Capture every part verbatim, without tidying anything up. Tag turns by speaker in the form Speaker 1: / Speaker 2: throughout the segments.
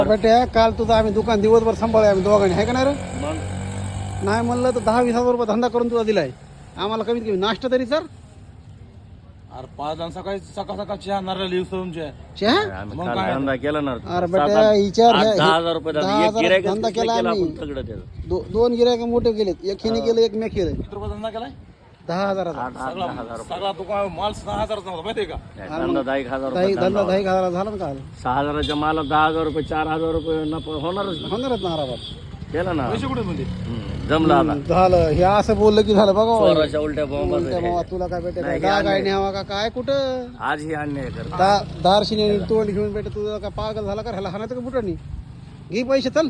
Speaker 1: बेटे काल तुझं आम्ही दुकान दिवसभर सांभाळले आम्ही दोघांनी आहे का नाही रे?
Speaker 2: मग
Speaker 1: नाही म्हणलं तर दहा वीस हजार रुपये धंदा करून तुला दिलाय आम्हाला कमीत कमी नाश्ता तरी सर
Speaker 3: अरे पाच जण सकाळी सकाळ सकाळ चहा नारळ लिव्ह तुमच्या
Speaker 1: चहा
Speaker 2: आम्ही
Speaker 3: मग
Speaker 2: काल
Speaker 3: काय?
Speaker 2: धंदा केला ना
Speaker 1: अरे
Speaker 2: सात
Speaker 1: बेटे
Speaker 2: आठ-
Speaker 1: विचार
Speaker 2: आठ-
Speaker 1: हे-
Speaker 2: दहा हजार रुपये
Speaker 1: दहा
Speaker 2: धंदा एक
Speaker 1: हजार
Speaker 2: गिऱ्हाईकच
Speaker 1: धंदा
Speaker 2: केला
Speaker 1: केला
Speaker 2: आपण
Speaker 1: आम्ही.
Speaker 2: सगळं त्याचं
Speaker 1: दो- दोन गिरायक मोठे गेलेत एक हिने केलं एक मी केलं
Speaker 3: किती रुपये धंदा केलाय
Speaker 1: दहा हजाराचा
Speaker 2: आठ आठ दहा हजार रुपये
Speaker 3: सगळा दुकान माल सहा हजाराचा नव्हता माहितीये का
Speaker 2: नाही, धंदा दहा एक हजार
Speaker 1: दही
Speaker 2: रुपये
Speaker 1: धंदा दही हजाराचा झाला ना काल
Speaker 2: सहा हजाराच्या माला दहा हजार रुपये चार हजार रुपये नफा होणारच ना.
Speaker 1: होणारच ना आरामात
Speaker 2: केलं ना
Speaker 3: पैसे कुठे म्हणजे
Speaker 2: हम्म, जमलं आता
Speaker 1: झालं हे असं बोललं की झालं बघा बाबा.
Speaker 2: चोराच्या उलट्या बॉम्ब
Speaker 1: उलट्या मावा, तुला काय भेटत
Speaker 2: नाही,
Speaker 1: दहा
Speaker 2: नाही.
Speaker 1: गाय न्यावा का काय कुठं
Speaker 2: आज ही अन्याय करत
Speaker 1: दा- दारशिनी तोंड घेऊन भेटत तुझं काय पागल झाला का ह्याला हाणायचं का बुटानी घे पैसे चल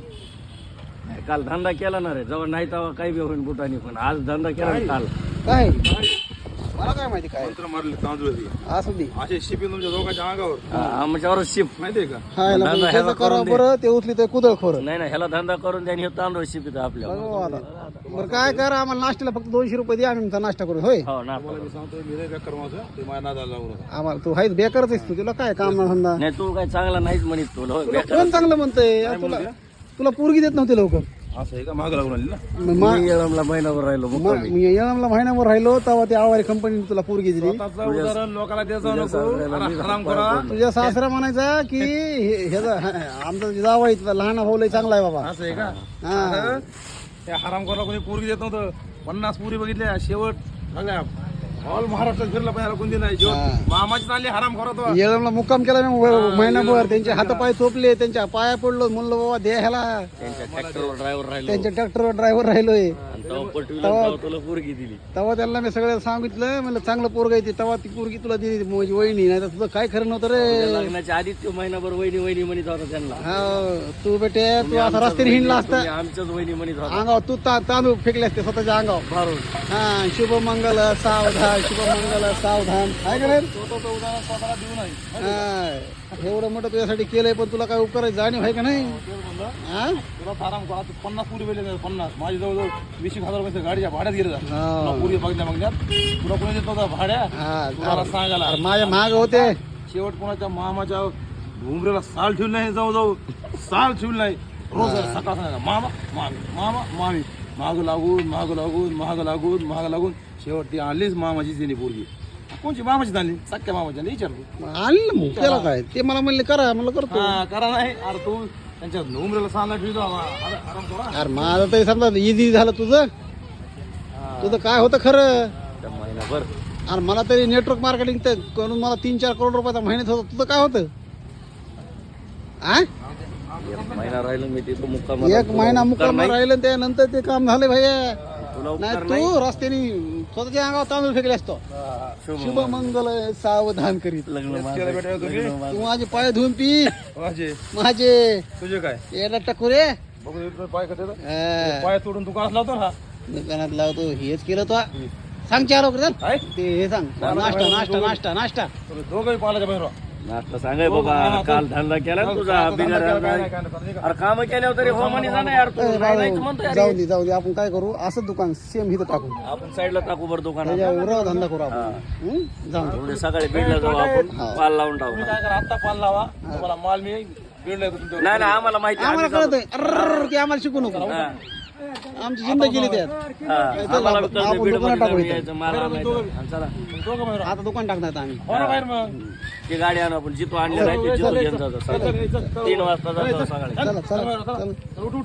Speaker 2: काल धंदा केला ना रे जेव्हा नाही तेव्हा काही बी होईल बुटानी पण आज धंदा केला ना काल
Speaker 1: काय मला काय माहिती काय
Speaker 3: मंत्र मारले तांदूळ
Speaker 1: असं दे
Speaker 3: असे शिपी तुमच्या दोघांच्या अंगावर
Speaker 2: हा, आमच्यावरच शिप
Speaker 3: माहितीये का
Speaker 1: हा याला
Speaker 2: धंदा
Speaker 1: मग
Speaker 2: ह्याला
Speaker 1: त्याचं करा
Speaker 2: करून दे.
Speaker 1: बरं ते उचली तर कुदळ खोर
Speaker 2: नाही नाही ह्याला धंदा करून द्या आणि हे तांदूळ शिपित आपल्या
Speaker 1: बरं काय करा आम्हाला नाश्त्याला फक्त दोनशे रुपये दे आम्ही तुमचा नाश्ता करू होय
Speaker 2: हो ना
Speaker 3: मला मी सांगतोय मी नाही बेकार माझं ते माझ्या नादाला लागू नका
Speaker 1: आम्हाला तू हायच बेकारच आहेस तू तुला काय काम ना धंदा
Speaker 2: नाही तू काय चांगला नाहीच म्हणत तुला होय,
Speaker 1: तुला
Speaker 2: बेकार.
Speaker 1: कोण चांगलं म्हणतंय यार तुला तुला पोरगी देत नव्हती लवकर
Speaker 3: असं आहे का माग लागून आली ना
Speaker 1: मग मा-
Speaker 2: मी येळमला महिनाभर राहिलो
Speaker 1: मा-
Speaker 2: मुक्कामी.
Speaker 1: मी येळामला महिन्याभर राहिलो तेव्हा ते आवारी कंपनीने तुला पोरगी दिली
Speaker 3: स्वतःचं उदाहरण लोकांना द्यायचं नको
Speaker 2: सासऱ्याला
Speaker 3: अरे
Speaker 2: मी
Speaker 3: हराम करा
Speaker 1: तुझ्या सासरा म्हणायचा की हे- ह्याचा आमचा जावाई तुला लहान भाऊ लय चांगला आहे बाबा
Speaker 3: असं आहे का
Speaker 1: हा
Speaker 3: त्या हराम करा कोणी पोरगी देत नव्हतं पन्नास पुरी बघितल्या शेवट सगळ्या ऑल महाराष्ट्रात फिरला पण याला कोणती नाही शेवट मामाची चालली हराम करा तो
Speaker 1: येळमला मुक्काम केला मी व- महिनाभर त्यांचे हातपाय चोपले त्यांच्या पाया पडलो म्हणलं बाबा दे ह्याला
Speaker 2: त्यांच्या ट्रॅक्टरवर ड्रायव्हर राहिलो
Speaker 1: त्यांच्या ट्रॅक्टरवर ड्रायव्हर राहिलोय
Speaker 2: आणि तेव्हा पटवीला तेव्हा तुला पोरगी दिली
Speaker 1: तेव्हा त्यांना मी सगळं सांगितलं म्हणलं चांगलं पोरग येते तेव्हा ती पोरगी तुला दिली माझी वहिनी नाही तर तुझं काय खरं नव्हतं
Speaker 2: त्या
Speaker 1: रे
Speaker 2: लग्नाच्या आधीच तो महिनाभर वहिनी वहिनी म्हणत होता त्यांना
Speaker 1: हा तू बेटे तू असा रस्त्याने हिंडला असता
Speaker 2: तुम्ही आमच्याच वहिनी म्हणत होता
Speaker 1: अंगावर तू ता- तांदूळ फेकले असते स्वतःच्या अंगावर
Speaker 2: भारून
Speaker 1: हा शुभमंगल सावधान शुभमंगल सावधान आहे का नाही
Speaker 3: स्वतःचं उदाहरण स्वतःला देऊ नाही
Speaker 1: हा, एवढं मोठं तुझ्यासाठी केलंय पण तुला काय उपकार जाणीव आहे का नाही
Speaker 3: तेच म्हणलं
Speaker 1: हा?
Speaker 3: तुला आराम करा तू पन्नास पुरी वेळेला पन्नास माझी जवळजवळ वीस एक हजार रुपये गाडीच्या भाड्यात गेले जा
Speaker 1: हा.
Speaker 3: तुला पुरी बघण्या बघण्यात तुला कोणी देत नव्हता भाड्या
Speaker 1: हा,
Speaker 3: तुम्हाला सांगायला
Speaker 1: अरे माझ्या माग होते
Speaker 3: शेवट कोणाच्या मामाच्या घुमरेला साल ठेवलं नाही जाऊ जाऊ साल ठेवलं नाही रोज सकाळ सांगा मामा मामी मामा मामी माग लागून माग लागून माग लागून माग लागून शेवट ती आणलीच मामाचीच तिने पोरगी कोणची मामाची आणली सख्या मामाची आणली विचारतो
Speaker 1: आणलं ना मग त्याला काय ते मला म्हणले करा म्हणलं करतो
Speaker 3: हा करा नाही अरे तू त्यांच्या घुमरेला साल ठेवतो आराम करा
Speaker 1: अरे माझं तरी समजा इझी झालं तुझं तुझं काय होतं खरं
Speaker 2: त्या महिनाभर
Speaker 1: अरे मला तरी नेटवर्क मार्केटिंग तर करून मला तीन चार करोड रुपयाचा महिन्यात होतं तुझं काय होतं आ
Speaker 2: एक महिना राहिलो मी तिथं मुक्काम
Speaker 1: एक महिना मुक्काम राहिलं त्यानंतर ते काम झाले भैया
Speaker 2: तुला
Speaker 1: नाही
Speaker 2: उपकार
Speaker 1: तू रस्त्याने स्वतःच्या अंगावर तांदूळ फेकले असतो शुभ मंगल सावधान करीत
Speaker 2: लग्न माझं-
Speaker 3: केलं बेटा तुम्ही?
Speaker 2: लग्न माझं.
Speaker 1: तू माझे पाय धुवून पी
Speaker 3: माझे
Speaker 1: माझे
Speaker 3: तुझे काय
Speaker 1: याला टकुरे
Speaker 3: बघू दे तुझे पाय कसे आहेत.
Speaker 1: हा,
Speaker 3: पाय तोडून दुकानात लावतो ना
Speaker 1: दुकानात लावतो हेच केलं तो सांग चार वगैरे चल
Speaker 3: काय
Speaker 1: ते हे सांग नाश्ता नाश्ता नाश्ता नाश्ता
Speaker 3: तुम्ही दोघंही पालाच्या बाहेर राहा.
Speaker 2: नाश्ता सांगाय बाबा काल धंदा केला ना तुझा बिगर
Speaker 3: काय नाही, काय नाही.
Speaker 2: अरे काम केल्यावर तरी हो म्हणे जा ना यार तू
Speaker 1: ए,
Speaker 2: नाही नाही तू म्हणतो
Speaker 1: जाऊ
Speaker 2: यार.
Speaker 1: जाऊ दे जाऊ दे आपण काय करू असं दुकान सेम इथं टाकू
Speaker 2: आपण साईडला टाकू बरं दुकानात
Speaker 1: त्याच्या उराव धंदा करू आपण हं? जाऊ दे.
Speaker 2: उद्या सकाळी बीडला जाऊ आपण पाल लावून टाकू
Speaker 3: तुम्ही काय करा आत्ता पाल लावा तुम्हाला माल मी बीडला येतो तुमच्या
Speaker 2: नाही नाही आम्हाला माहिती आहे,
Speaker 1: आम्हाला
Speaker 2: आम्ही
Speaker 1: कळतंय अर्र ते आम्हाला शिकू नको
Speaker 2: हा.
Speaker 1: आमची जिंदगी गेली त्यात
Speaker 2: हा, आम्हाला बी कळतं
Speaker 1: आपण
Speaker 2: बीड
Speaker 1: दुकानात टाकू
Speaker 2: मध्ये
Speaker 1: इथं.
Speaker 2: यायचं, मला माहिती आहे. आणि चला
Speaker 3: दोघं बाहेर राहा.
Speaker 1: आता दुकान टाकणार आम्ही
Speaker 3: हो ना बाहेर मग
Speaker 2: ती गाडी आणू आपण जिथं आणली नाही ते जिथं घेऊन जातो सकाळी. तीन वाजता जातो सकाळी
Speaker 1: चला चला
Speaker 3: चला,
Speaker 1: चला
Speaker 3: चला. उठ, उठ.